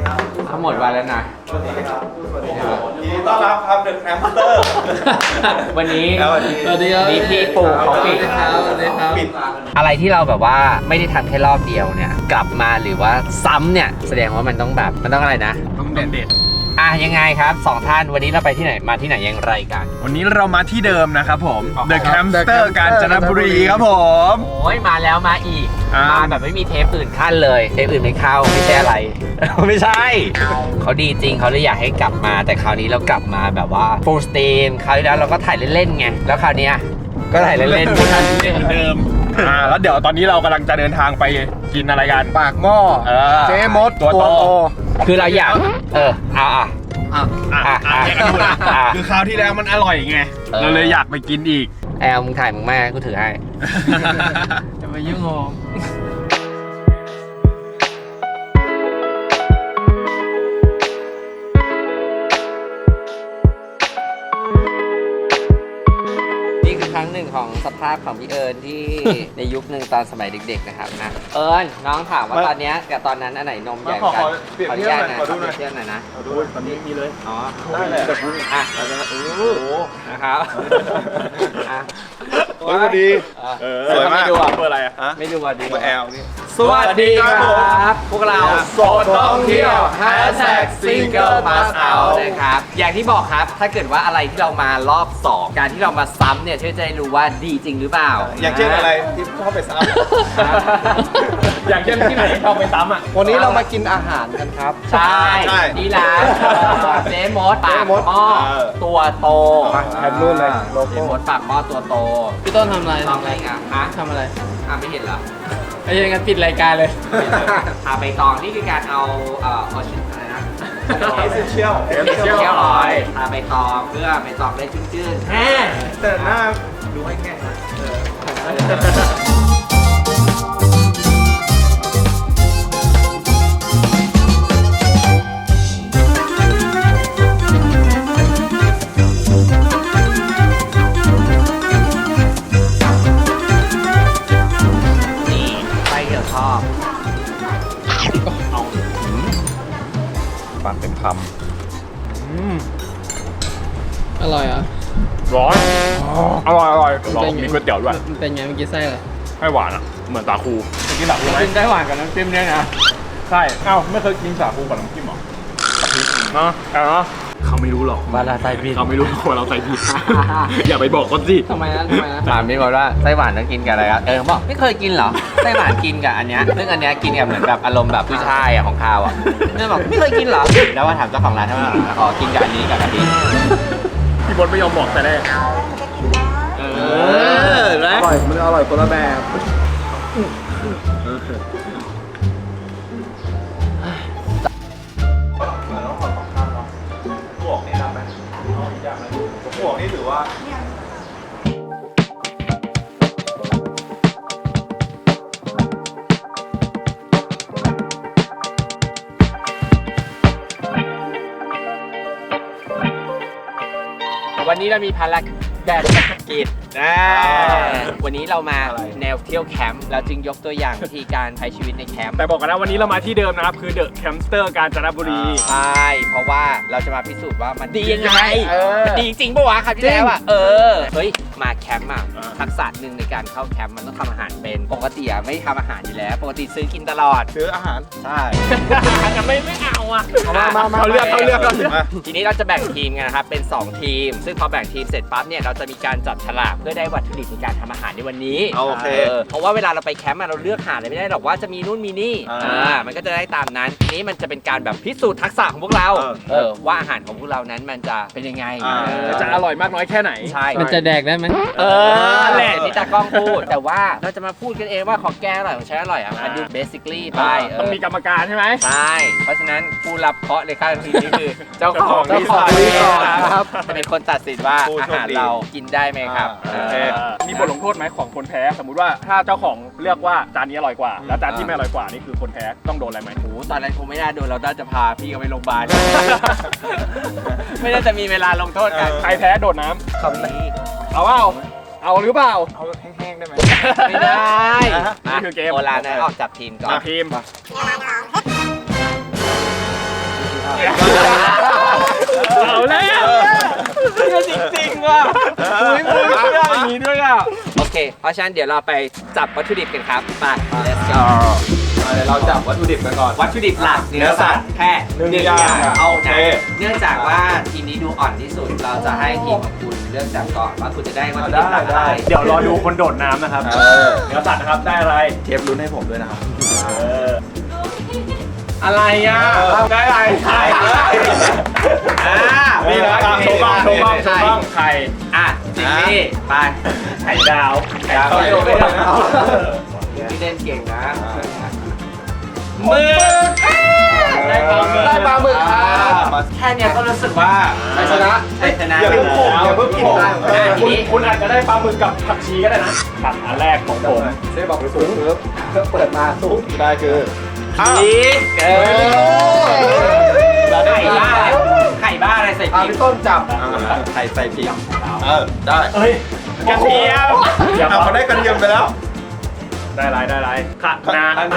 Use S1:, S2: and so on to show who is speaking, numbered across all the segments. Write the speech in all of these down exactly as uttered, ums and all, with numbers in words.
S1: ทั้งหมดวันแล้วนะ
S2: สวัสดีครับสวัสดีครับยินดีต้อนรับครับเดอะแคมเตอร์
S1: วันนี้
S2: สวัสดี
S1: สวัสดีครับมีพี่ปู่เขาปิด
S2: สวัสดีครับปิด
S1: อะไรที่เราแบบว่าไม่ได้ทำแค่รอบเดียวเนี่ยกลับมาหรือว่าซ้ำเนี่ยแสดงว่ามันต้องแบบมันต้องอะไรนะ
S3: ต้องเด็ดเด็ด
S1: อ่ะยังไงครับสองท่านวันนี้เราไปที่ไหนมาที่ไหนอย่างไรกัน
S3: วันนี้เรามาที่เดิมนะครับผม The Campster กาญจนบุรีครับผม
S1: โอ้ยมาแล้วมาอีก
S3: อ่าม
S1: มาแบบไม่มีเทปอื่นขั้นเลยเทปอื่นไม่เข้าไม่ใช่อะไร ไม่ใช่เขาดีจริงเขาเลยอยากให้กลับมาแต่คราวนี้เรากลับมาแบบว่า full steam คราวที่แล้วเราก็ถ่ายเล่นๆไงแล้วคราวเนี้ยก็ถ่ายเล่นๆเหมือนกัน
S3: เหมือนเดิมอ่าแล้วเดี๋ยวตอนนี้เรากำลังจะเดินทางไปกินอะไรกัน
S2: ปากหม้อ
S3: เออ
S2: เจ๊มด
S3: ตัวโต
S1: คือเราอยากเออเอาอ่ะ
S3: อ่ะ
S1: อ่ะ
S3: อ่ะ
S1: อ่ะ
S3: แยกกันดูนะ
S1: อ่ะ
S3: คือคราวที่แล้วมันอร่อยไง
S1: เออ
S3: เราเลยอยากไปกินอีก
S1: แอลมึงถ่ายมึงแม่กูถือให้
S3: จะไปยุ่งงง
S1: นี่คือครั้งหนึ่งของสภาพของพี่เอิญที่ ในยุคหนึ่งตอนสมัยเด็กๆนะครับนะเอิญน้องถามว่าตอนเนี้ยกับตอนนั้นอันไหนนมใหญ่กว่ากัน
S2: เปรียบเทียบหน่อยขอดูหน่อย
S1: เปรีบเทียบหน่อยนะ
S2: ขอดูตอนนี้มีเลย
S1: อ๋อ
S2: ได้เลย
S1: อ่ะเราจะอู้
S2: โอ้โห
S1: นะครับอ่ะ
S2: สวัสดี
S1: เออ
S2: สวยมาก
S1: ไม่ดูอ่ะ
S3: เปิดอะไรอ่ะ
S1: ไม่ดูอ่ะดี
S2: ตัวแอลนี่
S1: สวัสดีครับ พวกเราโสดท่องเที่ยว Hashtag Single Pass Out นะครับ อย่างที่บอกครับ ถ้าเกิดว่าอะไรที่เรามารอบสองการที่เรามาซ้ำเนี่ยช่วยจะได้รู้ว่าดีจริงหรือเปล่า
S2: อย่างเช่นอะไรที่ชอบไปซ้ำ
S3: อย่างเช่นที่ไหนชอบไปซ้ำอ่ะ
S2: วันนี้เรามากินอาหารกันครับ
S1: ใช่
S2: ใช่
S1: นี่ร้านเจ๊มดปาก
S2: เจ๊มด
S1: หม้อ
S2: เออ
S1: ตัวโต
S2: แทนรุ่นเลยโล
S1: เจ๊
S2: โก้
S1: มดปากหม้อตัวโต
S4: พี่ต้นทำอะไร
S1: ทำอะไรอ่ะฮะ
S4: ทำอะไร
S1: อ่ะไม่เห็นเหรอ
S4: ไอ้ยังงั้นปิดรายการเลย
S1: อ่ะใบตองนี่คือการเอาเอ่อเอาชิ้นอะไรนะ
S2: เอเซนเชียล
S1: เที่ยวออยทาใบตองเพื่อใบตองได้ชื้นๆแฮ่
S2: แต่หน้าดูให้แค่นะ
S1: นี่ไส้ที่เราชอบ
S3: ปากเต็มคำอืม
S4: อร่อยเหรอ่ะ
S3: ร้อนอร่อยอร่อย
S4: มัน
S3: ร้อ
S4: เป็น
S3: น
S4: ไง
S3: มีก๋วยเตี๋ยวด้วย
S4: มันเป็นไงเมื่อกี้ไส้อะไร
S3: ให้หวานอ่ะ เหมือนสาคูเคยกินสาคูไหม
S4: กินได้หวานกับน้ำจิ้มเนี่ยนะ
S3: ใช่เอ้าไม่เคยกินสาคูกับน้ำจิ้มหรอเนาะแต่เนาะเขาไม่รู้หรอก
S1: ว่าเราใส่ผิด
S3: เขาไม่รู้ว่าเราใส่ผิด อย่าไปบอกเขาสิ
S4: ทำไมนะทำไมนะ
S1: ถามพี่ก่อนว่าไส้หวานต้องกินกับอะไรครับเออเขาบอกไม่เคยกินเหรอไส้หวานกินกับอันเนี้ยซึ่งอันเนี้ยกินกับเหมือนแบบอารมณ์แบบผู้ชายอ่ะของข้าวอ่ะเนี่ยบอกไม่เคยกินเหรอแล้วว่าถามเจ้าของร้านทำไมอ๋อกินกับอันนี้กับอันนี้
S3: พี่บดไม่ยอมบอกแต่แรก
S1: เออนะ
S2: อร่อยมันอร่อยคนละแบบ เหมือนต้องขอสองข้างเนาะบวกนี่รับไหมเอาอีกอย่างไหมบวกนี่ถือว่า
S1: วันนี้เรามีภารกิจนะวันนี้เรามาแนวเที่ยวแคมป์เราจึงยกตัวอย่างวิธีการใช้ชีวิตในแคมป์
S3: แต่บอกกันนะวันนี้เรามาที่เดิมนะครับคือเดอะแคมสเตอร์กาญจนบุรี
S1: ใช่เพราะว่าเราจะมาพิสูจน์ว่ามันดียังไง
S2: เออ
S1: ดีจริงปะวะครับที่แล้วอ่ะเออเฮ้ยมาแคมป์อ่ะทักษะหนึ่งในการเข้าแคมป์มันต้องทำอาหารเป็นปกติอ่ะไม่ทำอาหารอยู่แล้ว ปกติซื้อกินตลอด
S2: ซื้ออาหาร
S1: ใช่
S3: ไม่ไม่เอาอ่ะ
S2: มามามา
S3: เขาเลือกเขาเลือกเขาเลือก
S2: มา
S1: ทีนี้เราจะแบ่งทีมกันนะครับเป็นสองทีม ซึ่งพอแบ่งทีมเสร็จปั๊บเนี่ยเราจะมีการจับฉลากเพื่อได้วัตถุดิบในการทำอาหารในวันนี้
S2: โอเค
S1: เพราะว่าเวลาเราไปแคมป์อะเราเลือกหาอะไรไม่ได้หรอกว่าจะมีนู่นมีนี่
S2: อ่า
S1: อ่ามันก็จะได้ตามนั้นทีนี้มันจะเป็นการแบบพิสูจน์ทักษะของพวกเรา
S2: เออ
S1: เออว่าอาหารของพวกเรานั้นมันจะเป็นยังไง
S2: อ่า
S1: เออ
S3: จะอร่อยมากน้อยแค่ไหน
S1: ใช่
S4: มันจะแดกได้ไหม
S1: เออแหละที่ตากล้องพูด แต่ว่าเราจะมาพูดกันเองว่าของแกอร่อยของฉันอร่อยอ่ะมาดู basically ไปเ
S3: ต้องมีกรรมการใช่ไหม
S1: ใช่ เพราะฉะนั้นผู้รับเคราะห์ในค่ายทีนี้คือ เจ้าของ
S3: เจ้าของ
S1: รีสอร์ท
S3: รีสอร์ท
S1: ครับจะเป็นคนตัดสินว่า
S2: ผู้
S1: อา
S2: โชค
S1: หาร
S2: ดี
S1: เรากินได้ไหมครับ
S2: อ่า
S1: เออ
S3: มีบทลงโทษไหมของคนแพ้สมมุติว่าถ้าเจ้าของเลือกว่าจานนี้อร่อยกว่า แล้วจานที่ไม่อร่อยกว่านี่คือคนแพ้ต้องโดนอะไรไหม
S1: โอ้โหตอนนั้นคงไม่น่าโดนเราน่าจะพาพี่เขาไปโรงพยาบาล ไม่น่าจะมีเวลาลงโทษกัน
S3: ใครแพ้โดดน้
S1: คำนี้
S3: ำเอาเปล่าเอาหรือเปล่า
S2: เอาแห้งๆได้ไหม
S1: ไม่ได้
S3: นี่คือเกม
S1: โอลานนะออกจับทีมก่อน
S3: มาทีม
S1: จริงว่ะคุยมือเชื่ออย่างนี้ด้วยอ่ะโอเคเพราะฉะนั้นเดี๋ยวเราไปจับวัตถุดิบกันครับไป let's go
S3: เดี๋ยวเราจับวัตถุดิบกันก่อน
S1: วัตถุดิบหลักเนื้อสัตว์แค่
S3: หนึ่งอย่าง
S1: เอา
S3: โอเค
S1: นะเนื่องจากว่าทีมนี้ดูอ่อนที่สุดเราจะให้ทีมของคุณเลือกจับก่อนว่าคุณจะได้วัตถุดิบหลักอะไร
S3: เดี๋ยวรอดูคนโดดน้ำนะครับ
S2: เออ
S3: เนื้อสัตว์นะครับได้อะไร
S2: เทปลุ้นให้ผมด้วยนะครับ
S3: เออ
S1: อะไรอ่ะ
S3: ได้อะไรไข่
S1: อ่า
S3: นี่นะครับโชว์บ้างโชว์บ้างโชว์บ้างไข่
S1: อ่ะจิมมี่ไป
S3: ไข่ดาว
S1: ไข่ดาวไม่โดนไม่โดนพี่เล่นเก่งนะมือได้ปลาหมึกได้ปลาหมึกครับแค่เนี้ยก็รู้สึกว่าชัยชนะชัยชนะ
S3: อย่าเพิ่งโผล่อย่าเพิ่งโผล่
S1: อ่ะที
S3: คุณ
S1: นี้
S3: คุณอาจจะได้ปลาหมึกกับผักชีก็ได้นะผัดอันแรกของผม
S2: เซ่บอกไปสูงปึ๊บเปิดมาสูงได้คือ
S1: พีเออไข่บ้าไข่บ้าอะไรใส่
S2: อ่า
S1: พริ
S2: พี่
S1: ก
S2: ต้นจับไข่ใส่พริกเออได้
S3: เฮ้ยกระเทียมอย่า
S2: เอา
S3: มา
S2: เขาได้กระเทียมไปแล้ว
S3: ได้ไรได้ไรขะนานา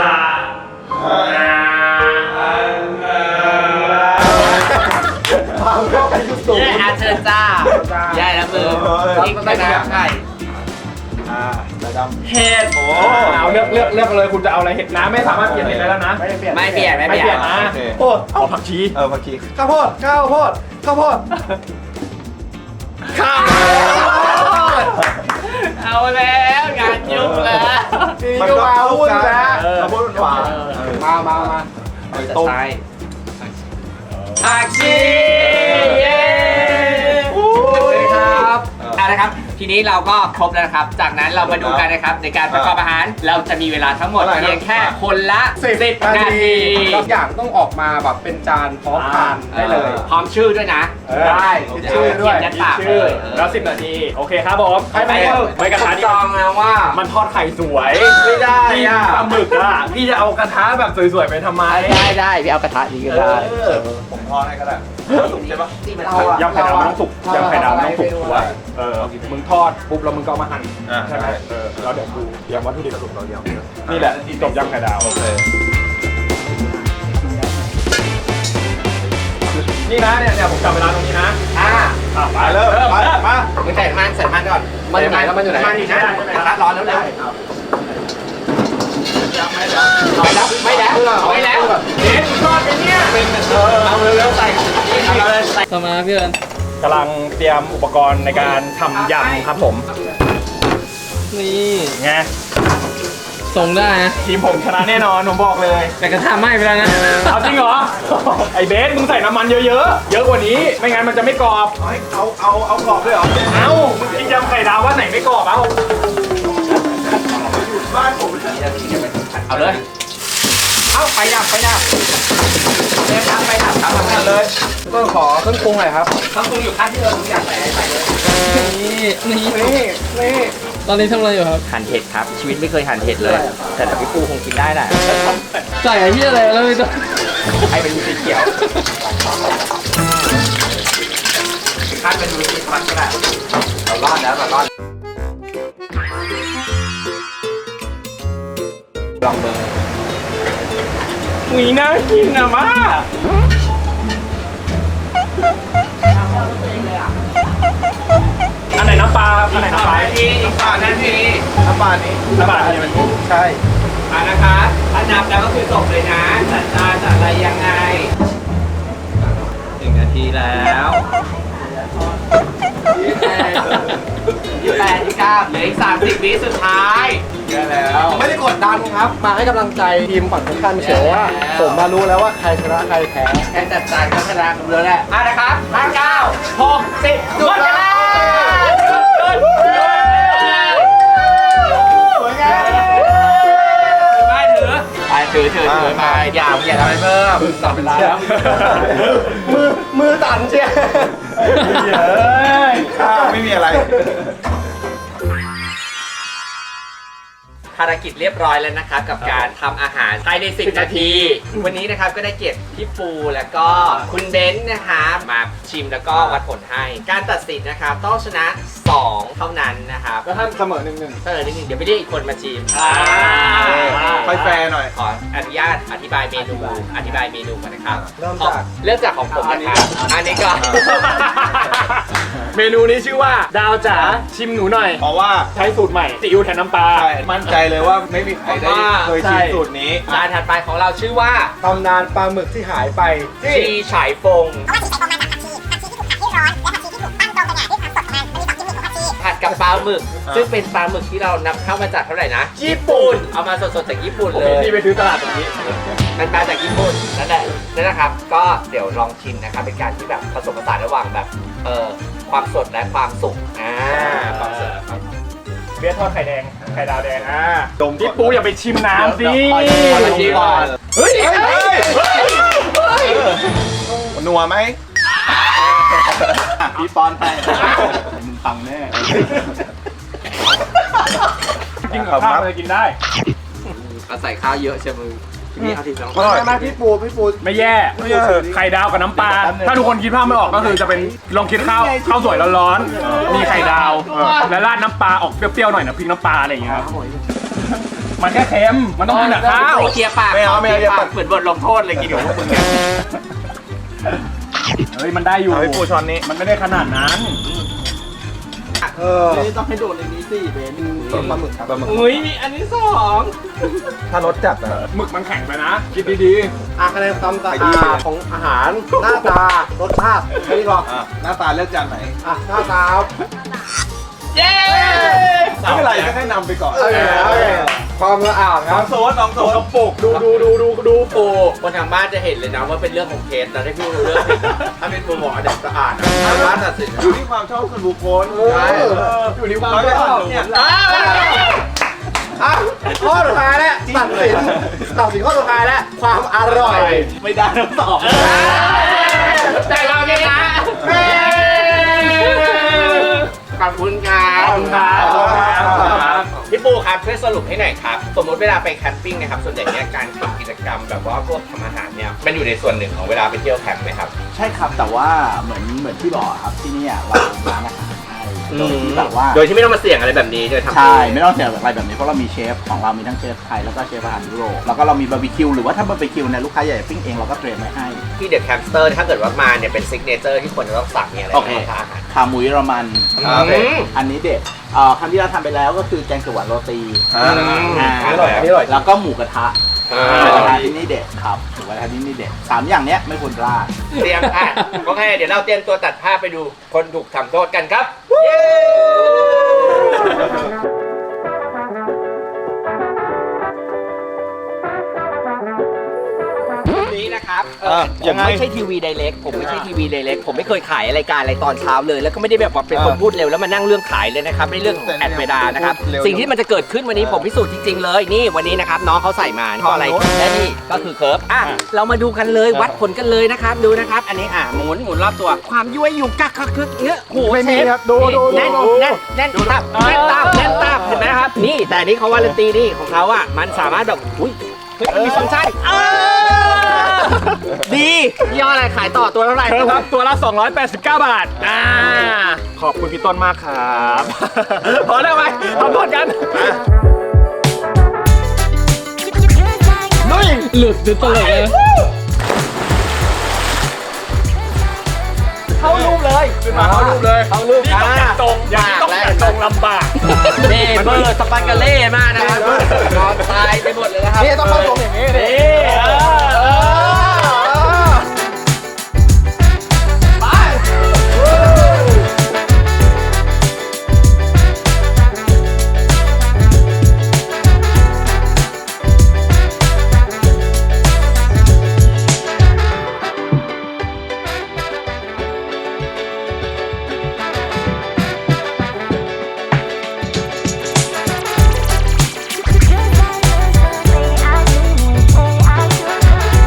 S2: ความเข้าไปยุสูง
S1: เย้อาเชิญจ้าใหญ่แล้วมือพริกชนะไข่
S2: อ่าระดำ
S1: เห็ด
S2: โอ้
S3: เอาเลือกเลือกเลือกเลยคุณจะเอาอะไรเห็ดน้ำไม่สามารถเปลี่ยนเห็ดได้แล้วนะ
S2: ไม่เปลี่ยน
S1: ไม่เปลี่ยนไม่
S3: ไม่
S1: เป
S3: เป
S1: ลี่
S3: ลี่
S1: ย
S3: ย
S1: น
S3: นนะ
S2: โอเค
S3: โอ้เอาผักชี
S2: เออผักชีข้าวโพดข้าวโพดข้าวโพด
S3: ข้าว
S1: เอาแล้วงานยุ่งแล้ว
S2: มันก็มาหุ้นนะข้าวโพดหวาน
S3: มามามา
S1: จะใช้ผักชีเย้ครับอ่ะนะครับ ทีนี้เราก็ครบแล้วนะครับ จากนั้นเรามาดูกันนะครับในการประกอบอาหาร เราจะมีเวลาทั้งหมดเพียงแค่คนละสิบนาที
S4: ทุกอย่างต้องออกมาแบบเป็นจานพร้อมทานได้เลย
S1: พร้อมชื่อด้วยนะ
S3: ได้
S1: คิดชื่อด้วยยัดปากเลย
S3: แล้วสิบนาทีโอเคครับผม
S1: ไม่ไม่
S3: ไม่กระทะ
S1: จ
S3: นี่
S1: องนะว่า
S3: มันทอดไข่สวย
S2: ไม่ได้
S3: พี่
S2: อ่ะ
S3: ปลาหมึกอ่ะพี่จะเอากระทะแบบสวยๆไปทำไม
S1: ได้ได้พี่เอากระทะนี้ก็ได้
S2: ผมทอดให้ก็ได้สุกใช่ปะ
S3: ยำไข่ดาวมันต้องสุกยำไข่ดาวมันต้องสุกถูกป่ะเออมึงทอดปุ๊บแล้วมึงก็เอามาหั่น
S2: อ่า
S3: ใช่ไหม
S2: ใช่
S3: เออแล้วเดี๋ยวดูยำวัตถุดิบสรุปเรายำนี่แหละจบยำไข่ดาว
S2: โอเค
S3: นี่นะเนี่ยเนี่ยผมจับเวลาตรงนี้นะ
S1: อ่า
S3: อ่ะไป
S2: ไปเริ่มไปมา
S1: มึงใส่มันใส่มันก่อน
S4: มันอยู่ไหนแล้วมันอยู่ไหน
S1: มันอยู่นะกระทะร้อนแล้วเร็วไม่แล้วไม่แล้วไม่แล้วเด็ดทอดไปเนี่ยเอาเร็วๆใส่เอาเลยใส่
S4: ต่อมาพี่เอิญ
S3: กำลังเตรียมอุปกรณ์ในการทำยำครับผม
S4: นี่
S3: ไง
S4: ส่งได้นะ
S3: ทีมผมชนะแน่นอนผมบอกเลย
S4: แต่กระทะไหม้ไปแล้วนะ
S3: เอาจริงเหรอ ไอเบสมึงใส่น้ำมันเยอะๆ เยอะกว่านี้ ไม่งั้นมันจะไม่กรอบ
S2: เอาเอาเอากรอบด้วยเหรอ
S3: เอ้า มึงกินยำไข่ดาวว่าไหนไม่กรอบเอ้า
S2: บ้านผม
S1: เอาเลยเอาไปดับไปดับเริ่มทำไปดับทำทำเลย
S4: ก็ขอเครื่องปรุงหน่อยครับ
S1: ต้องปรุงอยู่ข้างที่เราทุกอย่างใส่ใส่เลย
S4: นี่นี่
S3: นี่นี่
S4: ตอนนี้ทำอะไรอยู่ครับ
S1: หั่นเห็ดครับชีวิตไม่เคยหั่นเห็ดเลย แต่เดี๋ยวพี่ปูคงกินได้แหละ
S4: ใส่ไอ้ที่อะไรแล้วไม่ต้อง
S1: ให้เป็นสีเขียวคาดเป็นดูสีฟันก็ได้เรารอดแล้วเรารอดลองเบอร์
S3: มีน่ากินอะมาอันไหนน้ำปลา อันไหนน้ำปลา
S1: นาทีอีกสองนาที
S2: น้ำปลานี้
S3: น้ำปลาอันนี้มัน
S2: ใช่
S1: อ่ะนะคะถ้านับแล้วก็คือจบเลยนะจัดจานจัดอะไรยังไงหนึ่งนาทีแล้วยี่สิบแปดยี่สิบเก้าเหลืออีกสามสิบวิสุดท้ายเยอะแล้ว
S4: ไม่ได้กดดันครับ มาให้กำลังใจทีมฝั่งตรงข้ามเฉยว่า ผมมารู้แล้วว่าใครชนะใครแพ้
S1: แค่จัดจานก็ชนะกันแล้วแหละอ่ะนะครับห้าเก้าหกสิบหมดเวลา
S2: สวยงาม
S1: ไม่ถือไปถือถือถือไปอย่าอย่าทำให้เพิ่มต่อเวลาแล้ว
S2: มือมือตันเชียเฮ้ยข้าวไม่มีอะไร
S1: ภารกิจเรียบร้อยแล้วนะครับกับการทำอาหารภายในสิบนาที วันนี้นะครับก็ได้เกียรติพี่ปูแล้วก็คุณเบนซ์นะคะมาชิมแล้วก็วัดผลให้การตัดสินนะครับต้องชนะสองเท่านั้นนะครับ
S4: แล้วท่านเสมอหนึ่งหนึ่ง
S1: เออนิดนึงเดี๋ยวไปเรียกอีกคนมาชิม
S4: ค่อยแฟร์หน่อย
S1: ขออนุญาตอธิบายเมนูอธิบายเมนูก่อนนะครับ
S4: เริ่ม
S1: ขอ
S4: จาก
S1: เริ่มจากของผมนะครับอันนี้ก่อน
S3: เมนูนี้ชื่อว่าดาวจ๋าชิมหนูหน่อย
S2: เพราะว่า
S3: ใช้สูตรใหม่ซีอิ๊วแทนน้ำปลา
S2: ใช่มั่นใจเลยว่าไม่มีใครได้เคยชิมสูตรนี้
S1: จานถัดไปของเราชื่อว่า
S4: ตำนานปลาหมึกที่หายไปที่
S1: ชีฉายฟง
S5: เพราะว่าชีใช้ฟองมาจากผักชีผักชีที่ถูกผัดให้ร้อนและผักชีที่ถูกตั้งตรงกันเนี่ยด้วยความสดของมันมันมีสองกิมมิคของผักชี
S1: ผัดกับปลาหมึก
S2: อ่า
S1: ซึ่งเป็นปลาหมึกที่เรานำเข้ามาจากเท่าไหร่นะ ญี่ปุ่น เอามาสดๆจากญี่ปุ่น
S3: ผม
S1: เล
S3: เห็น
S1: ย
S3: ที่ไปซื้อตลาดตรงนี้
S1: มันมาจากญี่ปุ่นนั่นแหละนั่นนะครับ ก็เดี๋ยวลองชิมนะครับ เป็นการที่แบบผสมผสานระหว่างแบบเอ่อความสดและความสุกอ่าความสดและความสุก
S3: เบียร์ทอดไข่แดง ไข่ดาวแดง อ่า
S2: ดมก่อน
S3: พี่ปูอย่าไปชิมน้ำสิ
S2: ขอชิมก่อน
S3: เฮ้ย
S2: เฮ้ยนัวไหมพี่ปอนไปมึงฟังแน่
S3: กินกับข้าวมันจะกินได้
S1: เอาใส่ข้าวเยอะใช่ไหมนี่เอาทีสอง
S2: อร่อย
S4: มาพี่ปูพี่ปู
S3: ไม่แย่ ไข่ดาวกับน้ำปลา ถ้าทุกคนคิดภาพไม่ออกก็คือจะเป็นลองคิดข้าวข้าวสวยร้อนๆ มีไข่ดาว และราดน้ำปลาออกเปรี้ยวๆหน่อยนะพริกน้ำปลาอะไรอย่างเงี้ยครับมันแค่เค็ม มันต้องกินกับข้าว
S1: เคลียร์ปาก
S2: ไม่เอาไม่เอา
S1: คลียร์ปาก
S2: อย่าปัด
S1: เหมือนบทลงโทษเลยกินกับพวกมึงเนี่ย
S3: เฮ้ยมันได้อยู่
S2: เอาพี่ปูช้อนนี้
S3: มันไม่ได้ขนาดนั้น
S4: เออนี่ต้องให้โดนในนี้สิเบนปลาหมึกครับ
S2: ปลาหมึก
S1: อุ้ยมีอันที่สอง
S2: ถ้ารสจัดอะ
S3: หมึกมันแข็งไปนะ คิดดี
S4: อ่ะคะแนนความสะ
S2: ไปดี
S4: อาดของอาหาร หน้าตารสชาติแค่นี้หรอ
S2: อ่ะหน้าตาเลือกจานไหน
S4: อ่ะหน้าตา
S1: เย้
S2: ไม่เป็นไรก็ให้นำไปก่อน
S4: โอเคโอเคความสะอาดค
S2: น้
S4: รั
S2: อบ งโซนน้องโซน
S3: ๆปกดูดูดูดูดู
S1: ปูคนทางบ้านจะเห็นเลยนะว่าเป็นเรื่องของเคสแต่ถ้าพี่รู้เรื่องผิดถ้าเป็นปูบอกอันดับสะอาดนะทางบ้านตัดสินนะ
S2: อยู่ที่ความชอบส่วนบุคคล
S4: เอออยู่ที่ความชอบเนี่ย
S1: อ้าว
S4: อ่ะข้อสุดท้ายแล้วตัดสินตัดสินข้อสุดท้ายแล้วความอร่อย
S2: ไม่ได้ทั้งสอง
S1: แต่เราชนะขอบคุณครับ
S3: ขอบคุณครับ
S1: พี่ปูครับช่วยสรุปให้หน่อยครับ สมมติเวลาไปแคมปิ้งนะครับ ส่วนใหญ่เนี่ยการทำกิจกรรมแบบว่าพวกทำอาหารเนี่ยมันอยู่ในส่วนหนึ่งของเวลาไปเที่ยวแคมป์ไหมครับ
S6: ใช่ครับแต่ว่าเหมือนเหมือนที่บอกครับที่เนี่ยเราร้านอาหารให้โดยที่แบบว่า
S1: โดยที่ไม่ต้องมาเสี่ยงอะไรแบบนี้โดยทำ
S6: ใช่ไม่ต้องเสียอะไรแบบนี้เพราะเรามีเชฟของเรามีทั้งเชฟไทยแล้วก็เชฟอาหารยุโรปแล้วก็เรามีบาร์บีคิวหรือว่าถ้าบาร์บีคิวเนี่ยลูกค้าอยากจะปิ้งเองเราก็เตรียมไว้ให้
S1: ที่เดอะแคมป์สเตอร์ถ้าเกิดว่ามาเนี่ยเป็นซิกเนเจอร์ที่คนจะต้องสั่งเนี่ยอะไร
S6: โอเค
S1: บ้างครับอาหาร
S6: ขาหมูเยอรมัน
S1: อืม
S6: อันนี้เด็ดเอ่อครั้งที่เราทำไปแล้วก็คือแกงเขียวหวานโรตี
S2: อ่า
S6: อ่า
S4: อร่อยอันนี้อร่อย
S6: แล้วก็หมูกระทะ
S1: อ่า
S6: หมูกระทะที่นี่เด็ดครับหมูกระทะที่นี่เด็ดสามอย่างเนี้ยไม่ควรพลาด
S1: เตรียมอ่ะโอเคเดี๋ยวเราเตรียมตัวตัดภาพไปดูคนถูกทำโทษกันครับ เย้ นี้นะครับเอ่อ
S2: อ่ะ
S1: ผ
S2: ยั
S1: ม
S2: งไง
S1: ไม่ใช่ทีวีไดเรกผมไม่ใช่ทีวีไดเรกผมไม่เคยขายรายการอะไรตอนเช้าเลย แล้วก็ไม่ได้แบบว่าเป็นคน
S2: อ่ะ
S1: พูดเร็วแล้วมานั่งเรื่องขายเลยนะครับในเรื่องของแอดเวลานะครับ
S2: เร็ว
S1: สิ่งที่มันจะเกิดขึ้นวันนี้ผมพิสูจน์จริง ๆ เลยนี่วันนี้นะครับน้องเขาใส่มาเพราะอะไร
S2: ฝั่งโน้น
S1: และนี่ก็คือเคิร์ฟอ่ะเรามาดูกันเลยวัดผลกันเลยนะครับดูนะครับ อันนี้อ่ะหมุนหมุนรอบตัวความยั่วยุกักกักกึกเนื้อโห
S4: ไม่มี
S1: เชฟ
S4: ครับดูดูดู
S1: แน่นแน่นแน่นตับแน่นตับแน่นตับเห็นไหมครับนี่แต่อันนี้เขาวารันตีนี่ของเขาอ่ะมันสามารถแบบอุ้ยเฮ้ยมันมีฟังก์ชันเออดียี่ห้ออะไรขายต่อตัวเท่าไหร่
S3: เธอครับตัวละ สองร้อยแปดสิบเก้า บาท อ่า ขอบคุณพี่ต้นมากครับ พอแล้วไหมขอโทษกัน
S1: หลุดจนตลกเลยเข้ารูปเลย
S3: ขึ้นมาเข้ารูปเลย
S1: เข้ารูป
S3: นี่ต้องจัดตรงอย่างนี้ต้องจัดตรงลำบาก
S1: เน่เบอร์สปันกาเล่มากนะครับนอนตายไปหมดเลยนะครับ
S4: นี่ต้องเข้าตรงอย่างนี้ดิ
S3: นี่เออเออ
S5: Say I do, say I do.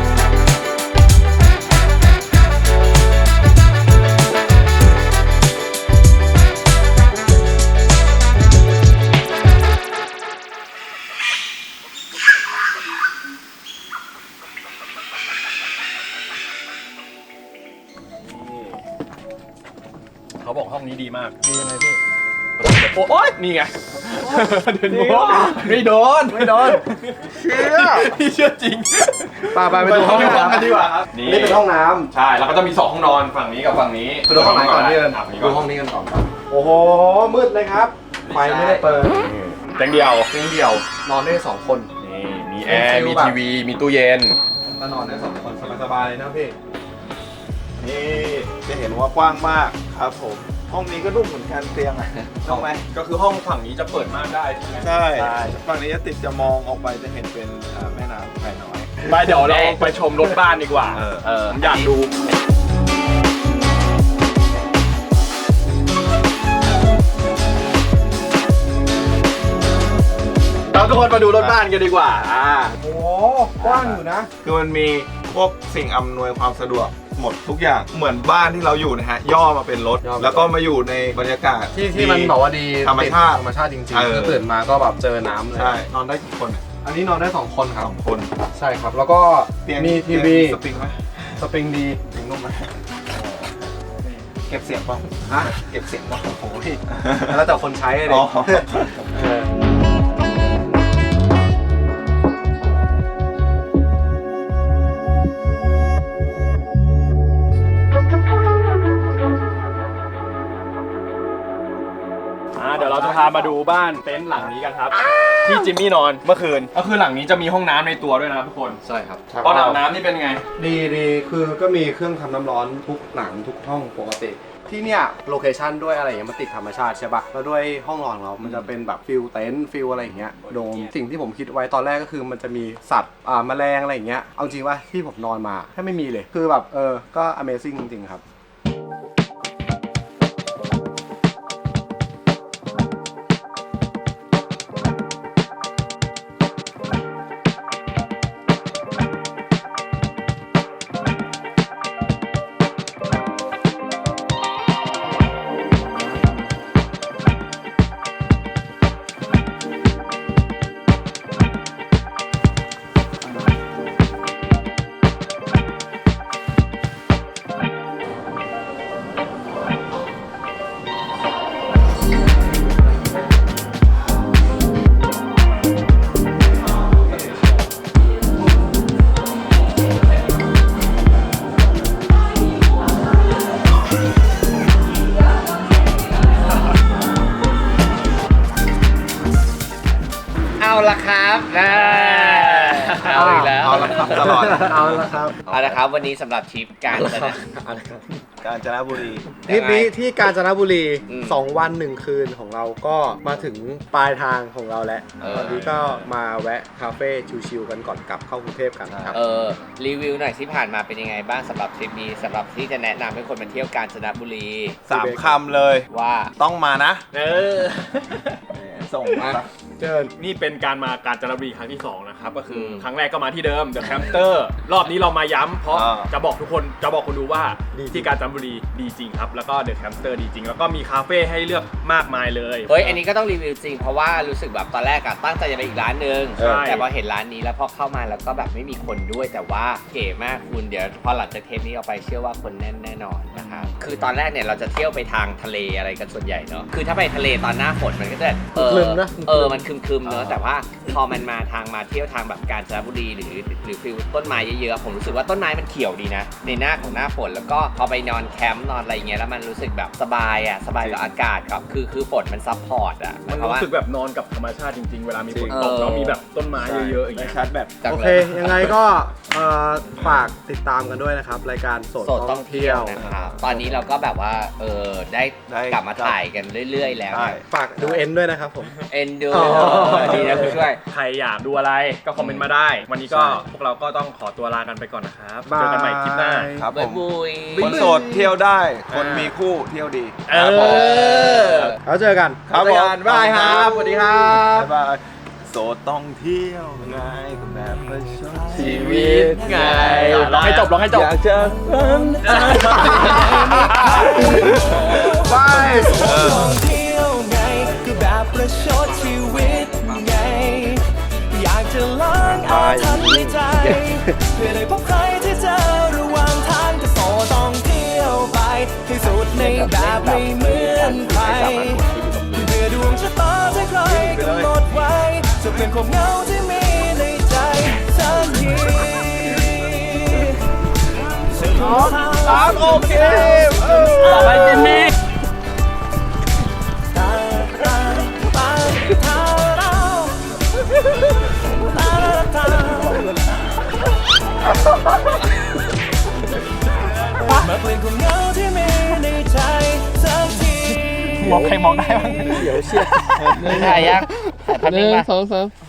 S3: เขาบอกห้องนี้ดีมาก
S4: ดียังไงพี่
S3: โอ๊ยนี่ไงเดินโบไม่โดน
S4: ไม่โดนเชื่อ
S3: พี่เชื่อจริง
S4: ไปไปไปดูห้อง
S3: ไปดูห้อง
S4: น้ำ
S3: กันดีกว่าครับ
S4: นี่เป็นห้องน้ำ
S3: ใช่แล้วก็จะมีสองห้องนอนฝั่งนี้กับฝั่งนี้
S4: ไปดูห้องไหนก่อนพี่เอิญ
S3: ฝั่งนี้
S4: ดู
S3: ก่อน
S4: ห้องนี้กันก่อนครับโอ้โหมืดเลยครับไฟไม่ได้เปิด
S3: เตียงเดียว
S4: เตียงเดี่ยวนอนได้สองคน
S3: นี่มีแอร์มีทีวีมีตู้เย็น
S4: ก็นอนได้สองคนสบายๆเลยนะพี่
S2: นี่จะเห็นว่ากว้างมากครับผม ห้องนี้ก็นุ่มเหมือนกันเตียงอ่ะถูกไหม
S3: ก็คือห้องฝั่งนี้จะเปิดม่านได้ใช่ไหม
S2: ใช่ฝั่งนี้จะติดจะมองออกไปจะเห็นเป็นอ่าแม่น้ำแควน้อย
S3: ไปเดี๋ยวเราไปชมรถบ้านดีกว่า
S2: เออ
S3: เอออยากดู
S4: เราทุกคนมาดูรถบ้านกันดีกว่าอ่าโอ้กว้างอยู่นะ
S2: คือมันมีพวกสิ่งอำนวยความสะดวกหมดทุกอย่างเหมือนบ้านที่เราอยู่นะฮะย่อมาเป็นรถ
S4: ย่อมาเป็นรถ
S2: แล้วก็มาอยู่ในบรรยากาศ
S4: ที่ที่มันบอกว่าดี
S2: ธรรมชาติ
S4: ธรรมชาติจริง
S2: เอ
S4: ๆ
S2: อ
S4: คือตื่นมาก็แบบเจอน้ำเลย
S2: ใช่นอนได้กี่คนอะ
S4: อันนี้นอนได้สองคนครับ
S2: สองคน
S4: ใช่ครับแล้วก็
S2: เตียง
S4: มีทีวี
S2: สปริงไหม
S4: สปริงดี
S2: สปริงนุ่มไหมเก็บเสียงป่ะ
S4: ฮะ
S2: เก็บเสียงป่ะ
S4: โอ้โหพี่แล้วแต่คนใช้เลย
S2: อ๋อ
S4: เออ
S3: อ่าเดี๋ยวเราจะพามาดูบ้านเต็นท์หลังนี้กันครับ ที่จิมมี่นอนเมื่อคืนก็คือหลังนี้จะมีห้องน้ำในตัวด้วยนะครับทุกคน
S4: ใช่ครับ
S3: ตอนอาบน้ำนี่เป็นไง
S4: ดีดีคือก็มีเครื่องทำน้ำร้อนทุกหลังทุกห้องปกติ ที่เนี่ยโลเคชันด้วยอะไรอย่างเงี้ยมันติดธรรมชาติใช่ปะแล้วด้วยห้องนอนของเรา มันจะเป็นแบบฟิลเต็นท์ฟิลอะไรอย่างเงี้ยโดมสิ่งที่ผมคิดไว้ตอนแรกก็คือมันจะมีสัตว์อ่าแมลงอะไรอย่างเงี้ยเอาจริงว่าที่ผมนอนมาแค่ไม่มีเลยคือแบบเออก็ Amazing จริงๆครับ
S1: เอาละครับนะเอาอีกแล้ว
S2: เอาละครับตลอด
S4: เอาละครับ
S1: เอาละครับวันนี้สำหรับทริปการจะนะ
S4: เอาละครับ
S2: กาญจนบุรี
S4: ทริปนี้ที่กาญจนบุรี
S1: อืม
S4: สองวันหนึ่งคืนของเราก็มาถึงปลายทางของเราแล้ว
S1: เออ
S4: ตอนนี้ก็มาแวะคาเฟ่ชิวๆกันก่อนกลับเข้ากรุงเทพกันครับ
S1: เออรีวิวหน่อยที่ผ่านมาเป็นยังไงบ้างสำหรับทริปนี้สำหรับที่จะแนะนำให้คนมาเที่ยวกาญจนบุรี
S2: สามคำเลย
S1: ว่า
S2: ต้องมานะ
S3: เออ
S2: ส่งมา
S4: เจิญ
S3: นี่เป็นการมากาญจนบุรีครั้งที่สองนะครับก็คืออ
S1: ม
S3: ครั้งแรกก็มาที่เดิม The Camper รอบนี้เรามาย้ำเพราะ
S2: อ่า
S3: จะบอกทุกคนจะบอกคนดูว่า
S4: ดีจริง
S3: ที่กาญจนบุรีดีจริงครับ แล้วก็ The Camper ดีจริง แล้วก็มีคาเฟ่ให้เลือกมากมายเลย
S1: เฮ้ยอันนี้ก็ต้องรีวิวจริงเพราะว่ารู้สึกแบบตอนแรกอะตั้งใจจะไปอีกร้านหนึ่ง
S3: ใช่
S1: แต่พอเห็นร้านนี้แล้วพอเข้ามาแล้วก็แบบไม่มีคนด้วยแต่ว่าเก๋มากคุณเดี๋ยวพอหลังจากเทปนี้ออกไปเชื่อว่าคนแน่นแน่นอนนะครับคือตอนแรกเนี่ยเราจะเที่ยวไปทางทะเลอะไรกันส่วนใหญ่เนาะคือถ้าไปทะเลตอนหน้าฝนมันก็จะเออ
S4: ครึมนะ
S1: เออมันคึมๆเนอะแต่ว่าพอมันมาทางมาเที่ยวทางแบบกาญจนบุรีหรือหรือฟิลต้นไม้เยอะๆผมรู้สึกว่าต้นไม้มันเขียวดีนะในหน้าของหน้าฝนแล้วก็พอไปนอนแคมป์นอนอะไรอย่างเงี้ยแล้วมันรู้สึกแบบสบายอ่ะสบายกับอากาศครับคือคือฝนมันซัพพอร์ตอ่ะ
S3: มัน
S1: เพราะว่า
S3: รู้สึกแบบนอนกับธรรมชาติจริงๆ เวลามีฝน
S1: เออ
S3: ตกแล้วมีแบบต้นไม้เยอะๆอย่าง
S2: ได้
S3: เงี้ย
S2: ชาร์จแบต
S1: จัง
S4: โอ
S1: ลย
S4: เค ยังไงก็เอ่อฝากติดตามกันด้วยนะครับ รายการโสด
S1: โสด
S4: ต้
S1: ต้
S4: อ
S1: อง ง
S4: เที่
S1: เที่
S4: ย
S1: ยว วนะครับตอนนี้เราก็แบบว่าเออได้
S2: ได้
S1: กลับมาถ่ายกันเรื่อย ๆ แล้ว
S2: ใช่
S4: ฝากดูเอ็นด้วยนะครับผม
S1: เอ็นดู
S4: อ๋อ
S1: ดีนะคุณช่วย
S3: ใครอยากดูอะไรก็คอมเมนต์มาได้ วันนี้ก็พวกเราก็ต้องขอตัวลากันไปก่อนนะครับ
S4: บาย
S3: เจอกันใหม่คลิปหน้า
S2: ครับผ
S1: บ๊าย
S2: ม
S1: บุย
S2: คนโสดเที่ยวได้ คนมีคู่เที่ยวดี
S3: เอ
S2: ครับผม
S3: อ
S4: แล้วเจอกัน
S2: ครับ
S4: เจอกัน
S2: ผม
S4: บ๊ายบายครับสวัสดีครับ
S2: บ๊ายบายโสดต้องเที่ยวไงแบบประชด
S1: ชีวิตไง
S3: ร้องให้จบร้องให้จบ
S2: อยากจะฝัน
S4: บาย
S7: ท่องเที่ยวไงก็แบบประชดชีวิตไง อยากจะล้างอาถรรพ์ในใจ เพื่อได้พบใครที่เจอระหว่างทางก็โสต้องเที่ยวไปให้สุดในแบบไม่เหมือนใครเพื่อดวงชะตาที่ใครกำหนดไว้จะเป็นความเหงาที่มีในใจสักทีสามโอเคต่อไปจิมมี่มาเปลี่ยนความเหงาที่มีในใจสักที
S3: มองใครมองได้บ้าง
S1: ถ่ายยังถ่ายพัน
S8: ห
S1: นิ่
S8: นึ่
S1: ง
S8: ง
S1: ป่ะ
S8: สองสาม